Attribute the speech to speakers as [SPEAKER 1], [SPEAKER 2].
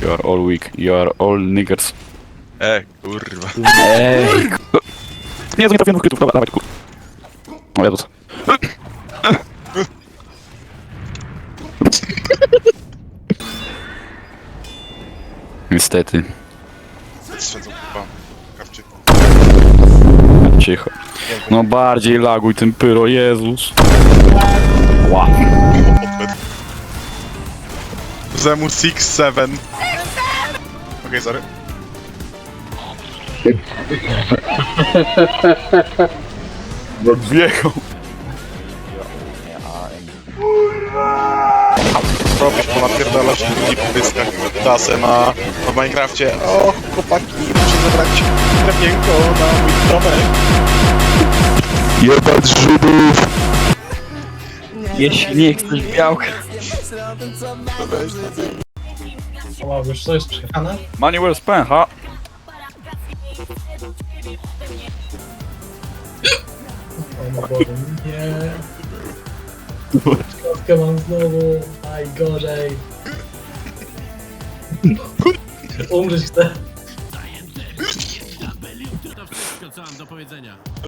[SPEAKER 1] You are all weak. You are all niggers.
[SPEAKER 2] Kurwa.
[SPEAKER 1] Ej, nie trafiłem w krytów, dobra, dawaj, kur... O Jezus. Niestety.
[SPEAKER 2] Strzedzą chyba. Kawczy.
[SPEAKER 1] Cicho. No bardziej laguj tym pyro, Jezus. Wow.
[SPEAKER 2] Zemu 6-7. Okej, sorry.
[SPEAKER 1] Wjechał.
[SPEAKER 2] Robisz, ponapierdalasz ludzi po dyskach dasę na Minecrafcie. O, chłopaki, muszę zabrać drewienko na mój domek.
[SPEAKER 1] Jebać Żydów. Jeśli nie chcesz białka.
[SPEAKER 3] Wow, już to jest przejechane?
[SPEAKER 1] Money well spent, ha?
[SPEAKER 3] O mój Boże, nie. Kostkę mam znowu, najgorzej. Umrzeć chcę.
[SPEAKER 4] To wszystko, co mam do powiedzenia.